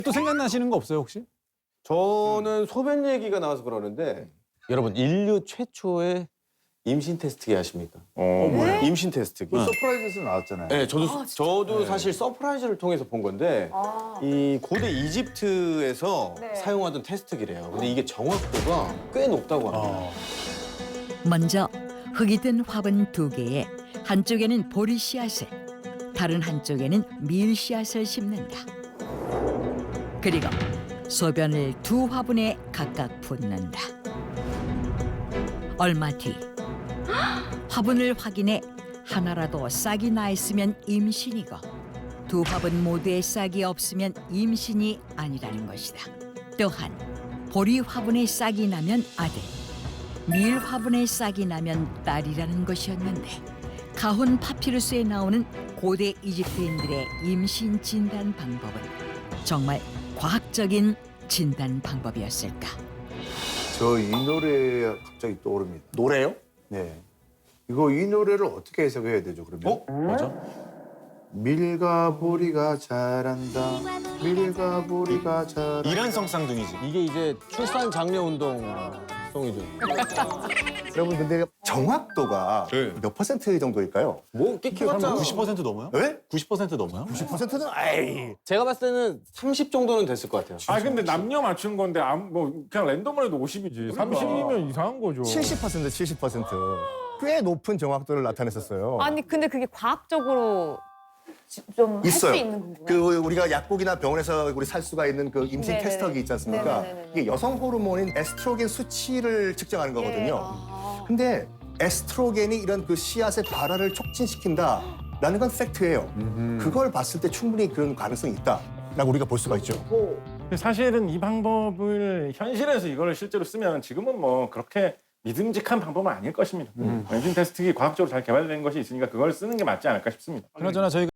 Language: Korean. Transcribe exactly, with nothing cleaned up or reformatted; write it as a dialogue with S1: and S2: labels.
S1: 또 생각나시는 거 없어요 혹시?
S2: 저는 소변 얘기가 나와서 그러는데 여러분 인류 최초의 임신 테스트기 아십니까?
S3: 어, 뭐야?
S2: 임신 테스트기.
S3: 그 서프라이즈에서 나왔잖아요.
S2: 네, 저도 저도 사실 서프라이즈를 통해서 본 건데
S4: 아.
S2: 이 고대 이집트에서
S4: 네.
S2: 사용하던 테스트기래요. 근데 이게 정확도가 꽤 높다고 합니다.
S5: 먼저 흙이 든 화분 두 개에 한쪽에는 보리 씨앗을, 다른 한쪽에는 밀 씨앗을 심는다. 그리고 소변을 두 화분에 각각 붓는다. 얼마 뒤 화분을 확인해 하나라도 싹이 나 있으면 임신이고 두 화분 모두에 싹이 없으면 임신이 아니라는 것이다. 또한 보리 화분에 싹이 나면 아들, 밀 화분에 싹이 나면 딸이라는 것이었는데 가훈 파피루스에 나오는 고대 이집트인들의 임신 진단 방법은 정말 과학적인 진단 방법이었을까?
S3: 저 이 노래 갑자기 떠오릅니다.
S2: 노래요?
S3: 네. 이거 이 노래를 어떻게 해석해야 되죠, 그러면?
S2: 어? 맞아?
S3: 밀가 보리가 자란다. 밀가 보리가 자란다.
S1: 이란성 쌍둥이지.
S2: 이게 이제 출산 장려 운동 송이죠.
S6: 여러분 근데 정확도가
S2: 네.
S6: 몇 퍼센트 정도일까요?
S2: 뭐 끼끼봤자
S1: 구십 퍼센트 넘어요?
S6: 네?
S1: 구십 퍼센트 넘어요?
S6: 구십 퍼센트는 아이.
S2: 제가 봤을 때는 삼십 정도는 됐을 것 같아요.
S7: 아 근데 남녀 맞춘 건데 아무 뭐 그냥 랜덤으로 해도 오십이지. 삼십이면 이상한 거죠.
S6: 칠십 퍼센트, 칠십 퍼센트. 꽤 높은 정확도를 나타냈었어요.
S4: 아니 근데 그게 과학적으로 좀 할 수
S6: 있어요.
S4: 있는 건가요?
S6: 그 우리가 약국이나 병원에서 우리 살 수가 있는 그 임신
S4: 네네네.
S6: 테스터기 있지 않습니까?
S4: 네네네네.
S6: 이게 여성 호르몬인 에스트로겐 수치를 측정하는 거거든요.
S4: 예, 아.
S6: 근데 에스트로겐이 이런 그 씨앗의 발화를 촉진시킨다라는 건 팩트예요. 그걸 봤을 때 충분히 그런 가능성이 있다라고 우리가 볼 수가 있죠.
S7: 근데 사실은 이 방법을 현실에서 이걸 실제로 쓰면 지금은 뭐 그렇게 믿음직한 방법은 아닐 것입니다. 임신 테스트기 과학적으로 잘 개발된 것이 있으니까 그걸 쓰는 게 맞지 않을까 싶습니다.
S1: 그나저나 저희가